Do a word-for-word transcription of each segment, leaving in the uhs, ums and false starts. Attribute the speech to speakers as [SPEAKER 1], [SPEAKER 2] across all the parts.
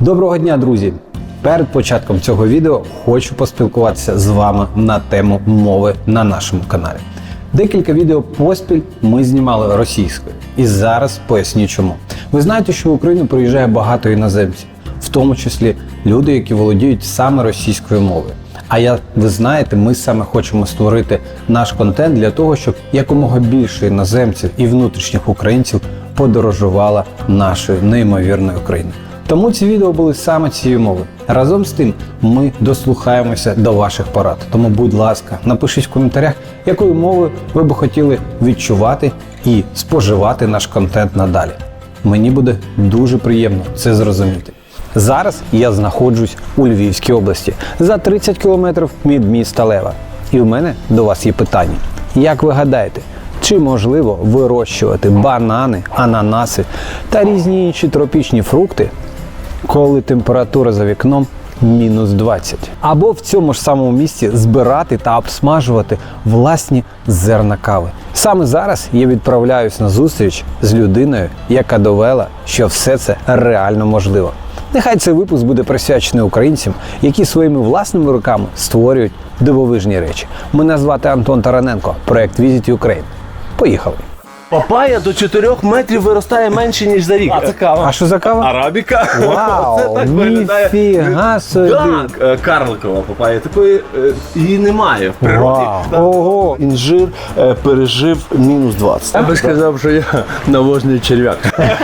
[SPEAKER 1] Доброго дня, друзі! Перед початком цього відео хочу поспілкуватися з вами на тему мови на нашому каналі. Декілька відео поспіль ми знімали російською, і зараз поясню чому. Ви знаєте, що в Україну приїжджає багато іноземців, в тому числі люди, які володіють саме російською мовою. А як ви знаєте, ми саме хочемо створити наш контент для того, щоб якомога більше іноземців і внутрішніх українців подорожувало нашою неймовірною Україною. Тому ці відео були саме цією мовою. Разом з тим ми дослухаємося до ваших порад. Тому, будь ласка, напишіть в коментарях, якою мовою ви б хотіли відчувати і споживати наш контент надалі. Мені буде дуже приємно це зрозуміти. Зараз я знаходжусь у Львівській області, за тридцять кілометрів від міста Лева. І в мене до вас є питання. Як ви гадаєте, чи можливо вирощувати банани, ананаси та різні інші тропічні фрукти, коли температура за вікном мінус двадцять? Або в цьому ж самому місці збирати та обсмажувати власні зерна кави? Саме зараз я відправляюсь на зустріч з людиною, яка довела, що все це реально можливо. Нехай цей випуск буде присвячений українцям, які своїми власними руками створюють дивовижні речі. Мене звати Антон Тараненко, проект Visit Ukraine. Поїхали!
[SPEAKER 2] Папая до чотирьох метрів виростає менше, ніж за рік. А це кава.
[SPEAKER 1] А що за кава?
[SPEAKER 2] Арабіка.
[SPEAKER 1] Вау,
[SPEAKER 2] Це так виглядає.
[SPEAKER 1] ніфіга собі.
[SPEAKER 2] Так, карликова папая. Такої е, її немає в природі.
[SPEAKER 1] Вау.
[SPEAKER 2] Так.
[SPEAKER 1] Ого.
[SPEAKER 2] Інжир е, пережив мінус двадцять.
[SPEAKER 3] Я би сказав, що я навозний черв'як.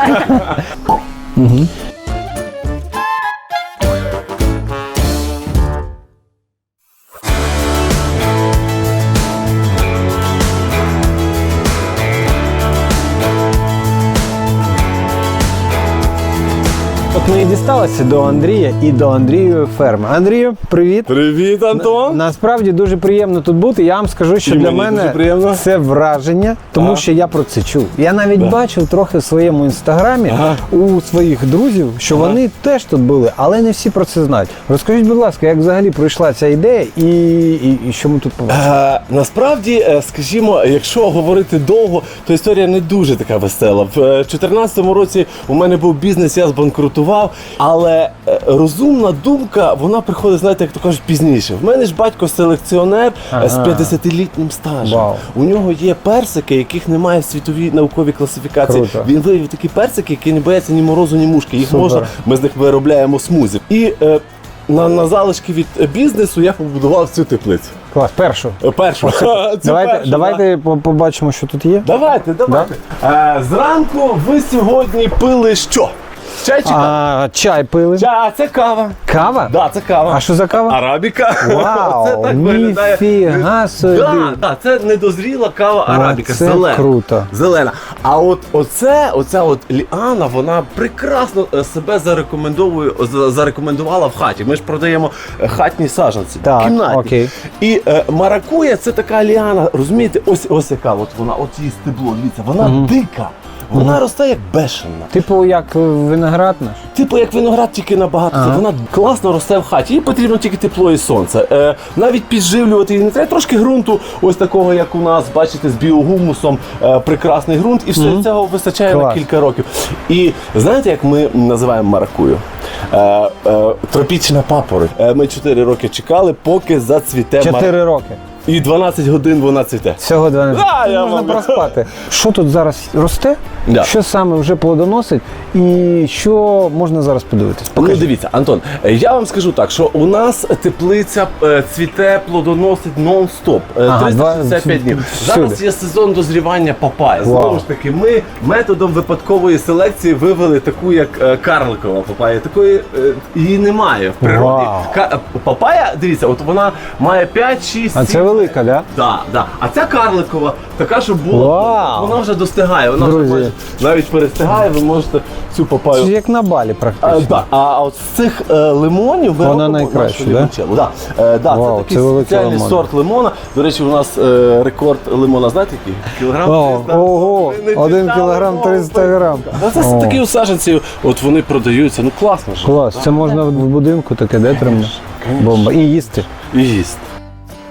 [SPEAKER 1] От ми і дісталися до Андрія і до Андрієвої ферми. Андрію, привіт!
[SPEAKER 2] Привіт, Антон!
[SPEAKER 1] Насправді дуже приємно тут бути. Я вам скажу, що
[SPEAKER 2] І
[SPEAKER 1] для
[SPEAKER 2] мені дуже
[SPEAKER 1] мене
[SPEAKER 2] приємно.
[SPEAKER 1] це враження, тому
[SPEAKER 2] Ага.
[SPEAKER 1] що я про це чув. Я навіть бачив трохи в своєму інстаграмі
[SPEAKER 2] Ага.
[SPEAKER 1] у своїх друзів, що
[SPEAKER 2] Ага.
[SPEAKER 1] вони теж тут були, але не всі про це знають. Розкажіть, будь ласка, як взагалі прийшла ця ідея і, і, і що ми тут побачили?
[SPEAKER 2] Е, насправді, е, скажімо, якщо говорити довго, то історія не дуже така весела. В дві тисячі чотирнадцятому році у мене був бізнес, я збанкрутував, але е, розумна думка, вона приходить, знаєте, як то кажуть, пізніше. В мене ж батько селекціонер е, з
[SPEAKER 1] Ага.
[SPEAKER 2] п'ятдесятилітнім стажем.
[SPEAKER 1] Вау.
[SPEAKER 2] У нього є персики, яких немає в світовій науковій класифікації.
[SPEAKER 1] Круто.
[SPEAKER 2] Він виявив такі персики, які не бояться ні морозу, ні мушки. Їх
[SPEAKER 1] Супер.
[SPEAKER 2] можна, ми з них виробляємо смузі. І е, на, на залишки від е, бізнесу я побудував цю теплицю.
[SPEAKER 1] Клас, першу.
[SPEAKER 2] Е, Першу. Цю
[SPEAKER 1] Давайте,
[SPEAKER 2] першу, да.
[SPEAKER 1] давайте по- побачимо, що тут є.
[SPEAKER 2] Давайте, давайте. Е, зранку ви сьогодні пили що? Чай чи кава?
[SPEAKER 1] А, чай пили.
[SPEAKER 2] Чай, а це кава.
[SPEAKER 1] Кава?
[SPEAKER 2] Да, це кава.
[SPEAKER 1] А що за кава?
[SPEAKER 2] Арабіка.
[SPEAKER 1] Вау,
[SPEAKER 2] Це так виглядає.
[SPEAKER 1] ніфіга собі.
[SPEAKER 2] Да, да, це недозріла кава арабіка,
[SPEAKER 1] це
[SPEAKER 2] зелена.
[SPEAKER 1] круто.
[SPEAKER 2] Зелена. А от оце, оця от ліана, вона прекрасно е, себе зарекомендовує, за- зарекомендувала в хаті. Ми ж продаємо е, хатні саджанці,
[SPEAKER 1] Так,
[SPEAKER 2] кімнатні.
[SPEAKER 1] окей.
[SPEAKER 2] І е, маракуя це така ліана, розумієте, ось ось яка от вона, от її стебло, дивіться, вона дика. Вона росте як бешена.
[SPEAKER 1] Типу як виноград наш?
[SPEAKER 2] Типу як виноград, тільки набагато.
[SPEAKER 1] Ага.
[SPEAKER 2] Вона класно росте в хаті. Їй потрібно тільки тепло і сонце. Е, навіть підживлювати її не треба. Трошки ґрунту, ось такого, як у нас, бачите, з біогумусом, е, прекрасний ґрунт, і все цього вистачає
[SPEAKER 1] Клас.
[SPEAKER 2] на кілька років. І знаєте, як ми називаємо маракую? Е, е, тропічна папороть. Е, ми чотири роки чекали, поки зацвіте маракуя.
[SPEAKER 1] Чотири роки.
[SPEAKER 2] І дванадцять годин вона цвіте.
[SPEAKER 1] Всього дванадцять.
[SPEAKER 2] Да, я
[SPEAKER 1] Можна
[SPEAKER 2] вам-
[SPEAKER 1] проспати. Що тут зараз росте?
[SPEAKER 2] Да.
[SPEAKER 1] Що саме вже плодоносить? І що можна зараз подивитись?
[SPEAKER 2] Ну,
[SPEAKER 1] Покажіть.
[SPEAKER 2] дивіться, Антон, е, я вам скажу так, що у нас теплиця е, цвіте, плодоносить нон-стоп, е,
[SPEAKER 1] Ага,
[SPEAKER 2] триста шістдесят п'ять
[SPEAKER 1] два-
[SPEAKER 2] днів.
[SPEAKER 1] всюди.
[SPEAKER 2] Зараз є сезон дозрівання папайя.
[SPEAKER 1] Вау.
[SPEAKER 2] Знову ж таки, ми методом випадкової селекції вивели таку, як е, карликова папая. Такої е, її немає в природі.
[SPEAKER 1] Вау.
[SPEAKER 2] Ка- папая, дивіться, от вона має п'ять, шість,
[SPEAKER 1] А це
[SPEAKER 2] сім.
[SPEAKER 1] велика, да?
[SPEAKER 2] Да, да. А ця карликова, така, що була,
[SPEAKER 1] Вау.
[SPEAKER 2] вона вже достигає. Вона
[SPEAKER 1] Друзі.
[SPEAKER 2] вже майже навіть перестигає, ви можете цю папаю.
[SPEAKER 1] Це як на балі
[SPEAKER 2] А,
[SPEAKER 1] практично.
[SPEAKER 2] да. А от з цих е, лимонів ви
[SPEAKER 1] Вона
[SPEAKER 2] робимо
[SPEAKER 1] найкраща,
[SPEAKER 2] нашу
[SPEAKER 1] да?
[SPEAKER 2] лімончеллу. Да? Е, да,
[SPEAKER 1] Вау,
[SPEAKER 2] це такий
[SPEAKER 1] це великий
[SPEAKER 2] спеціальний
[SPEAKER 1] лимон.
[SPEAKER 2] сорт лимона. До речі, у нас е, рекорд лимона, знаєте який? Кілограм
[SPEAKER 1] О,
[SPEAKER 2] триста.
[SPEAKER 1] ого,
[SPEAKER 2] Ви не
[SPEAKER 1] один
[SPEAKER 2] читали
[SPEAKER 1] кілограм
[SPEAKER 2] мову?
[SPEAKER 1] триста грам.
[SPEAKER 2] Да, це
[SPEAKER 1] О.
[SPEAKER 2] такі саджанці, от вони продаються, ну класно ж.
[SPEAKER 1] Клас, це можна в будинку таке, де тримати? Бомба. І їсти.
[SPEAKER 2] І їсти.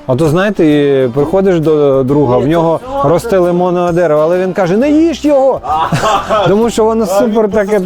[SPEAKER 1] А то знаєте, і приходиш до друга, в нього росте лимонне дерево, але він каже, не їж його! Тому що воно супер таке.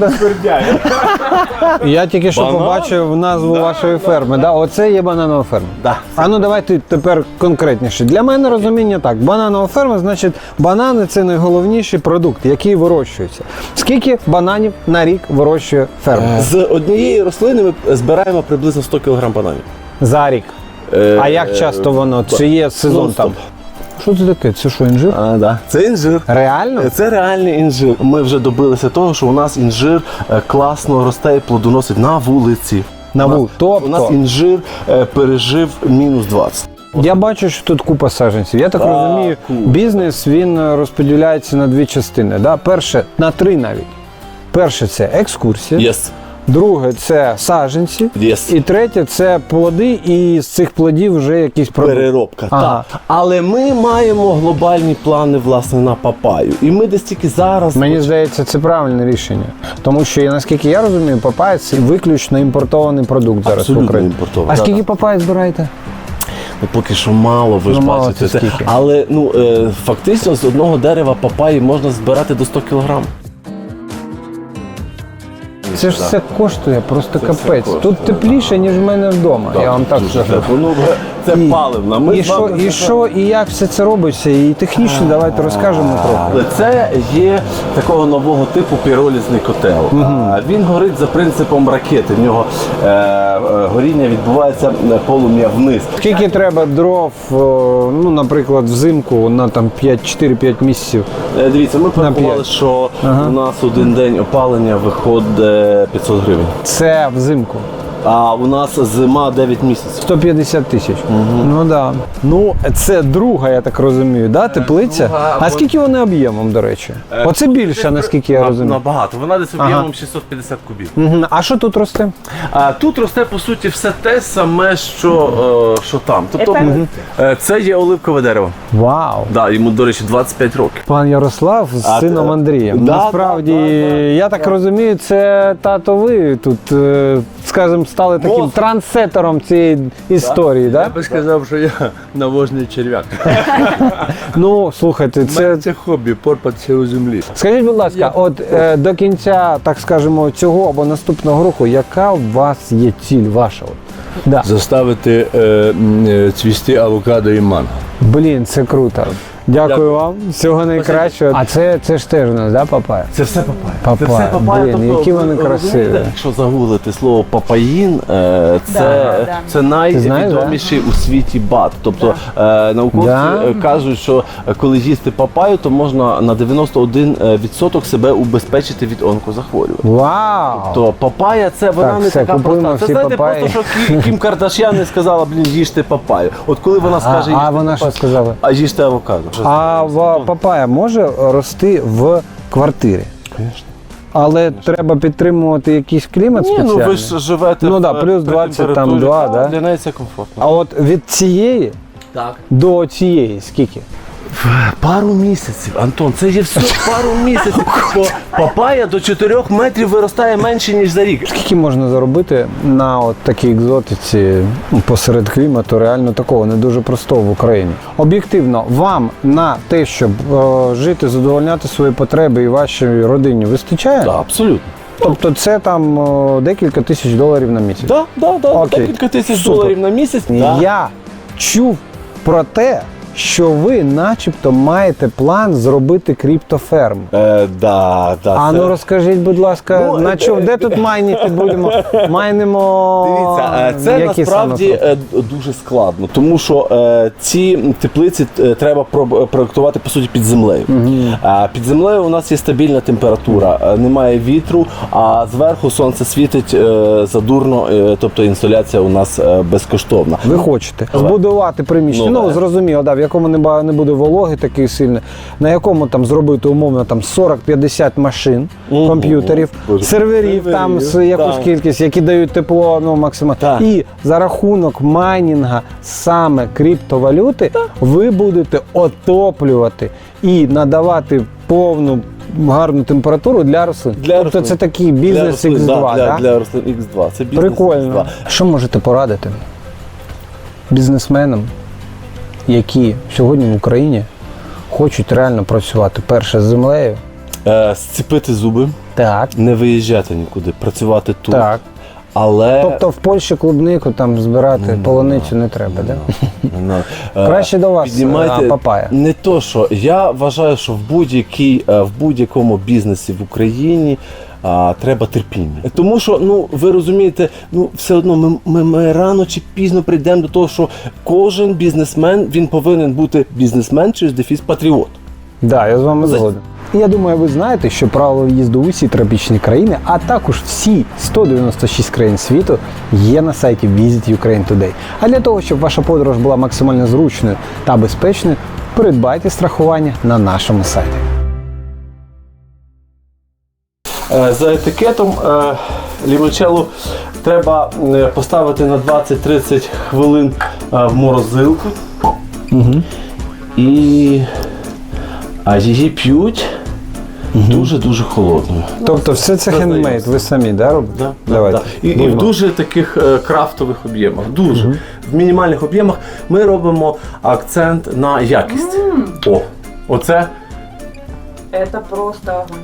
[SPEAKER 1] Я тільки що
[SPEAKER 2] Банан?
[SPEAKER 1] побачив назву вашої ферми. Да? Оце є бананова ферма.
[SPEAKER 2] Да.
[SPEAKER 1] А ну давайте тепер конкретніше. Для мене розуміння так. Бананова ферма, значить, банани – це найголовніший продукт, який вирощується. Скільки бананів на рік вирощує ферма?
[SPEAKER 2] З однієї рослини ми збираємо приблизно сто кілограм бананів.
[SPEAKER 1] За рік.
[SPEAKER 2] Е,
[SPEAKER 1] А як часто воно? Чи є сезон
[SPEAKER 2] ну,
[SPEAKER 1] там? Що це таке? Це що, інжир?
[SPEAKER 2] А, да. Це інжир.
[SPEAKER 1] Реально?
[SPEAKER 2] Це реальний інжир. Ми вже добилися того, що у нас інжир е, класно росте і плодоносить на вулиці.
[SPEAKER 1] На
[SPEAKER 2] У нас-
[SPEAKER 1] вулиці. Тобто?
[SPEAKER 2] У нас інжир е, пережив мінус двадцять.
[SPEAKER 1] Я бачу, що тут купа саджанців. Я так
[SPEAKER 2] Так,
[SPEAKER 1] розумію,
[SPEAKER 2] купа.
[SPEAKER 1] бізнес він е, розподіляється на дві частини. Да? Перше, на три навіть. Перше це екскурсія,
[SPEAKER 2] Yes.
[SPEAKER 1] друге це саджанці,
[SPEAKER 2] Yes.
[SPEAKER 1] і третє це плоди, і з цих плодів вже якісь продукти.
[SPEAKER 2] Переробка.
[SPEAKER 1] Ага.
[SPEAKER 2] Так. Але ми маємо глобальні плани власне на папаю. І ми десь тільки зараз.
[SPEAKER 1] Мені здається, це правильне рішення. Тому що, наскільки я розумію, папайя – це виключно імпортований продукт зараз в
[SPEAKER 2] Абсолютно
[SPEAKER 1] Україні.
[SPEAKER 2] імпортований.
[SPEAKER 1] А
[SPEAKER 2] Да,
[SPEAKER 1] скільки
[SPEAKER 2] да.
[SPEAKER 1] папайя збираєте?
[SPEAKER 2] Ну, поки що мало, ви ж
[SPEAKER 1] Ну, мало
[SPEAKER 2] бачите.
[SPEAKER 1] це скільки?
[SPEAKER 2] Але ну, е, фактично з одного дерева папаї можна збирати до сто кілограм.
[SPEAKER 1] Це ж все коштує, просто
[SPEAKER 2] Це все
[SPEAKER 1] капець.
[SPEAKER 2] коштує,
[SPEAKER 1] Тут тепліше, ніж в мене вдома. Я вам так
[SPEAKER 2] Дуже
[SPEAKER 1] скажу.
[SPEAKER 2] тепло. Ну, це
[SPEAKER 1] І-
[SPEAKER 2] паливна. Ми
[SPEAKER 1] І
[SPEAKER 2] з
[SPEAKER 1] що,
[SPEAKER 2] вами
[SPEAKER 1] і що, і як все це робиться, і технічно давайте розкажемо трохи.
[SPEAKER 2] Але це є такого нового типу піролізний котел. А, Він горить за принципом ракети. В нього е, е, горіння відбувається е, полум'я вниз.
[SPEAKER 1] Скільки треба дров, о, ну, наприклад, взимку на там чотири-п'ять місяців?
[SPEAKER 2] Е, Дивіться, ми порахували,
[SPEAKER 1] п'ять.
[SPEAKER 2] що
[SPEAKER 1] Ага.
[SPEAKER 2] у нас один день опалення виходить п'ятсот гривень.
[SPEAKER 1] Це взимку.
[SPEAKER 2] А у нас зима дев'ять місяців.
[SPEAKER 1] сто п'ятдесят тисяч. Ну да. Ну, це друга, я так розумію, да, теплиця?
[SPEAKER 2] друга,
[SPEAKER 1] А
[SPEAKER 2] або-
[SPEAKER 1] скільки вони об'ємом, до речі? Оце більше, наскільки я розумію.
[SPEAKER 2] Набагато. Вона десь
[SPEAKER 1] Ага.
[SPEAKER 2] об'ємом шістсот п'ятдесят кубів.
[SPEAKER 1] Мгм. А що тут росте?
[SPEAKER 2] А тут росте по суті все те саме, що, е, що там. Тобто е, це є оливкове дерево.
[SPEAKER 1] Вау!
[SPEAKER 2] Да, йому, до речі, двадцять п'ять років.
[SPEAKER 1] Пан Ярослав з
[SPEAKER 2] А
[SPEAKER 1] сином
[SPEAKER 2] те-
[SPEAKER 1] Андрієм.
[SPEAKER 2] Да,
[SPEAKER 1] Насправді,
[SPEAKER 2] да, да, да.
[SPEAKER 1] я так розумію, це тато ви тут, е, скажімо, стали таким
[SPEAKER 2] Мозок.
[SPEAKER 1] трансетером цієї історії,
[SPEAKER 3] Я
[SPEAKER 1] да?
[SPEAKER 3] би сказав, що я навозний черв'як.
[SPEAKER 1] Ну, слухайте,
[SPEAKER 3] Це,
[SPEAKER 1] це.
[SPEAKER 3] це хобі, порпатися у землі.
[SPEAKER 1] Скажіть, будь ласка, от е, до кінця, так скажемо, цього або наступного року, яка у вас є ціль ваша? От? Да.
[SPEAKER 3] Заставити е, м, е, цвісти авокадо і манго.
[SPEAKER 1] Блін, це круто. Дякую вам, всього найкращого. А це, це ж теж у нас, да, папая?
[SPEAKER 2] Це все папая.
[SPEAKER 1] Папая.
[SPEAKER 2] Це все папая.
[SPEAKER 1] Блін,
[SPEAKER 2] тобто,
[SPEAKER 1] які вони
[SPEAKER 2] ви
[SPEAKER 1] красиві.
[SPEAKER 2] розумієте, якщо загуглити слово папаїн, е, це,
[SPEAKER 4] Да, да.
[SPEAKER 2] це найвідоміший у світі бат. Тобто е, науковці
[SPEAKER 1] Да?
[SPEAKER 2] е, кажуть, що е, коли їсти папаю, то можна на дев'яносто один відсоток себе убезпечити від онкозахворювань.
[SPEAKER 1] Вау!
[SPEAKER 2] То папая це вона
[SPEAKER 1] Так,
[SPEAKER 2] не
[SPEAKER 1] все,
[SPEAKER 2] така
[SPEAKER 1] купуємо
[SPEAKER 2] проста. Це
[SPEAKER 1] всі
[SPEAKER 2] знаєте,
[SPEAKER 1] папаї.
[SPEAKER 2] просто що Кі- Кім Кардашян не сказала, блін, їжте папаю. От коли вона
[SPEAKER 1] А,
[SPEAKER 2] скаже,
[SPEAKER 1] а
[SPEAKER 2] їжте
[SPEAKER 1] вона що
[SPEAKER 2] папаю,
[SPEAKER 1] сказала?
[SPEAKER 2] а їжте авокадо.
[SPEAKER 1] А в- папая може рости в квартирі?
[SPEAKER 2] Звісно.
[SPEAKER 1] Але треба підтримувати якийсь клімат
[SPEAKER 2] Ні,
[SPEAKER 1] спеціальний?
[SPEAKER 2] ну ви ж живете
[SPEAKER 1] Ну
[SPEAKER 2] в,
[SPEAKER 1] да, плюс
[SPEAKER 2] при
[SPEAKER 1] двадцять там
[SPEAKER 2] температурі.
[SPEAKER 1] два,
[SPEAKER 2] Так,
[SPEAKER 1] да?
[SPEAKER 2] Для неї це комфортно.
[SPEAKER 1] А от від цієї
[SPEAKER 2] Так.
[SPEAKER 1] до цієї скільки?
[SPEAKER 2] Пару місяців, Антон, це є все пару місяців. Бо папая до чотирьох метрів виростає менше, ніж за рік.
[SPEAKER 1] Скільки можна заробити на от такій екзотиці ну, посеред клімату, реально такого не дуже простого в Україні? Об'єктивно, вам на те, щоб е, жити, задовольняти свої потреби і вашій родині вистачає?
[SPEAKER 2] Так, абсолютно.
[SPEAKER 1] Тобто це там е, декілька тисяч доларів на місяць?
[SPEAKER 2] Так, так, так.
[SPEAKER 1] Окей.
[SPEAKER 2] Декілька тисяч
[SPEAKER 1] Супер.
[SPEAKER 2] доларів на місяць. Да.
[SPEAKER 1] Я чув про те, що ви начебто маєте план зробити криптоферму.
[SPEAKER 2] Е, да, да,
[SPEAKER 1] А
[SPEAKER 2] це-
[SPEAKER 1] ну розкажіть, будь ласка,
[SPEAKER 2] Ну,
[SPEAKER 1] на
[SPEAKER 2] е,
[SPEAKER 1] чому, де тут майніти будемо? Майнимо.
[SPEAKER 2] Дивіться, е, це
[SPEAKER 1] які
[SPEAKER 2] насправді
[SPEAKER 1] саме?
[SPEAKER 2] е, дуже складно, тому що е, ці теплиці е, треба про- проектувати по суті під землею. А під землею у нас є стабільна температура, е, немає вітру, а зверху сонце світить е, задурно, е, тобто інсоляція у нас е, безкоштовна.
[SPEAKER 1] Ви хочете збудувати приміщення,
[SPEAKER 2] Ну,
[SPEAKER 1] ну,
[SPEAKER 2] да.
[SPEAKER 1] зрозуміло, да, в якому не, ба- не буде вологи такий сильний, на якому там зробити умовно там сорок-п'ятдесят машин,
[SPEAKER 2] Мгм.
[SPEAKER 1] комп'ютерів,
[SPEAKER 2] Боже.
[SPEAKER 1] серверів там з
[SPEAKER 2] Серверів,
[SPEAKER 1] якусь
[SPEAKER 2] так.
[SPEAKER 1] кількість, які дають тепло ну, максимально.
[SPEAKER 2] Так.
[SPEAKER 1] І за рахунок майнінга саме криптовалюти ви будете отоплювати і надавати повну гарну температуру для рослин.
[SPEAKER 2] Для
[SPEAKER 1] тобто
[SPEAKER 2] рослин.
[SPEAKER 1] це такий бізнес
[SPEAKER 2] Для
[SPEAKER 1] ікс
[SPEAKER 2] рослин,
[SPEAKER 1] два,
[SPEAKER 2] да,
[SPEAKER 1] да?
[SPEAKER 2] для, для рослин ікс два. Це бізнес ікс
[SPEAKER 1] Прикольно.
[SPEAKER 2] два.
[SPEAKER 1] Що можете порадити бізнесменам, які сьогодні в Україні хочуть реально працювати перше з землею.
[SPEAKER 2] Е, зціпити зуби,
[SPEAKER 1] Так.
[SPEAKER 2] не виїжджати нікуди, працювати тут.
[SPEAKER 1] Так.
[SPEAKER 2] Але
[SPEAKER 1] Тобто в Польщі клубнику там збирати полуницю не треба, так?
[SPEAKER 2] Ну, е,
[SPEAKER 1] Краще до вас,
[SPEAKER 2] піднімайте
[SPEAKER 1] а, папая.
[SPEAKER 2] Не то, що я вважаю, що в будь-якій е, в будь-якому бізнесі в Україні а, треба терпіння. Тому що, ну ви розумієте, ну все одно ми, ми, ми рано чи пізно прийдемо до того, що кожен бізнесмен він повинен бути бізнесмен через дефіс патріот.
[SPEAKER 1] Так, да, я з вами згоден. І я думаю, ви знаєте, що правила в'їзду в усі тропічні країни, а також всі сто дев'яносто шість країн світу є на сайті Visit Ukraine Today. А для того, щоб ваша подорож була максимально зручною та безпечною, придбайте страхування на нашому сайті.
[SPEAKER 2] Е, За етикетом е, лімончелло треба е, поставити на двадцять-тридцять хвилин е, в морозилку.
[SPEAKER 1] Угу.
[SPEAKER 2] І а її п'ють дуже-дуже холодною.
[SPEAKER 1] Тобто все це хендмейд, ви самі, да, робите?
[SPEAKER 2] Да,
[SPEAKER 1] Давайте.
[SPEAKER 2] да. І, і в
[SPEAKER 1] Будьмо.
[SPEAKER 2] дуже таких е, крафтових об'ємах. Дуже. В мінімальних об'ємах ми робимо акцент на якість. О, оце
[SPEAKER 4] Это просто огонь.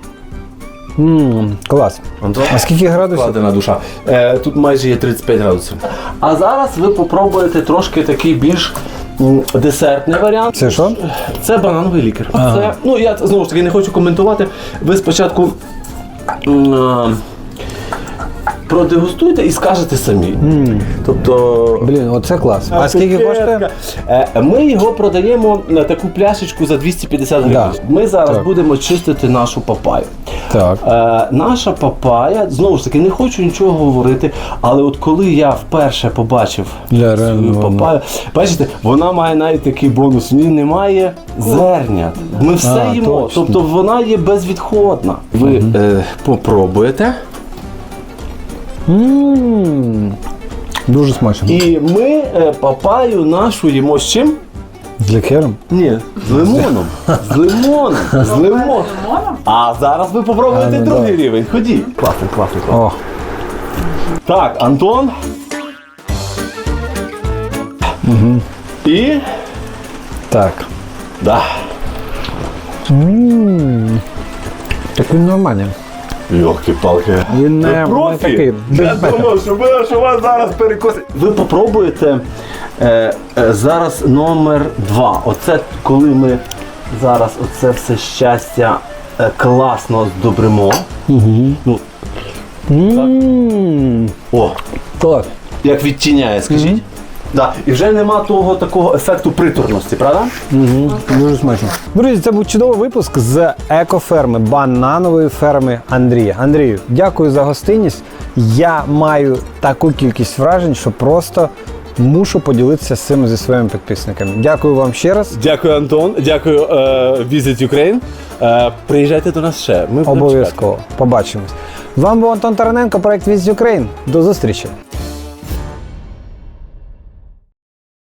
[SPEAKER 1] М, клас.
[SPEAKER 2] Антон,
[SPEAKER 1] А скільки градусів?
[SPEAKER 2] складена душа. Е, тут майже є тридцять п'ять градусів. А зараз ви попробуєте трошки такий більш м, десертний варіант.
[SPEAKER 1] Це що?
[SPEAKER 2] Це банановий лікер.
[SPEAKER 1] Ага.
[SPEAKER 2] Це, ну я знову ж таки не хочу коментувати. Ви спочатку м, е, продегустуйте і скажете самі. Тобто.
[SPEAKER 1] Блін, оце клас. А скільки коштує?
[SPEAKER 2] Е, Ми його продаємо на таку пляшечку за двісті п'ятдесят гривень.
[SPEAKER 1] Да.
[SPEAKER 2] Ми зараз
[SPEAKER 1] Так.
[SPEAKER 2] будемо чистити нашу папаю.
[SPEAKER 1] Так.
[SPEAKER 2] Е, наша папая, знову ж таки, не хочу нічого говорити, але от коли я вперше побачив
[SPEAKER 1] Для
[SPEAKER 2] свою
[SPEAKER 1] реально воно.
[SPEAKER 2] папаю, бачите, вона має навіть такий бонус, в ній немає зернят. Ми все
[SPEAKER 1] А,
[SPEAKER 2] їмо,
[SPEAKER 1] точно.
[SPEAKER 2] тобто вона є безвідходна. Ви е, попробуєте.
[SPEAKER 1] М, Дуже смачно.
[SPEAKER 2] І ми е, папаю нашу їмо з чим?
[SPEAKER 1] З лікером?
[SPEAKER 2] Ні, з лимоном. З лимоном. З лимоном.
[SPEAKER 4] Лимоном?
[SPEAKER 2] А зараз ви попробуєте
[SPEAKER 1] А, ну,
[SPEAKER 2] другий
[SPEAKER 1] да.
[SPEAKER 2] рівень. Ходіть. Класний, класний, класний.
[SPEAKER 1] О,
[SPEAKER 2] Так, Антон. І.
[SPEAKER 1] так.
[SPEAKER 2] Да.
[SPEAKER 1] М, Так він нормальний.
[SPEAKER 2] Йолки-палки.
[SPEAKER 1] Він не, не
[SPEAKER 2] профі?
[SPEAKER 1] такий.
[SPEAKER 2] Я думав, що, ви, що вас зараз перекосить. Ви попробуєте е, е, зараз номер два. Оце коли ми зараз оце все щастя е, класно здобримо. Ну,
[SPEAKER 1] М,
[SPEAKER 2] о,
[SPEAKER 1] Клас.
[SPEAKER 2] як відтіняє, скажіть. Да. І вже нема того такого ефекту приторності, правда?
[SPEAKER 1] Угу. Дуже смачно. Друзі, це був чудовий випуск з екоферми, бананової ферми Андрія. Андрію, дякую за гостинність. Я маю таку кількість вражень, що просто мушу поділитися з цим зі своїми підписниками. Дякую вам ще раз.
[SPEAKER 2] Дякую, Антон. Дякую, е, Visit Ukraine. Е, приїжджайте до нас ще. Ми будемо чекати.
[SPEAKER 1] Обов'язково. Побачимось. З вами був Антон Тараненко, проект Visit Ukraine. До зустрічі.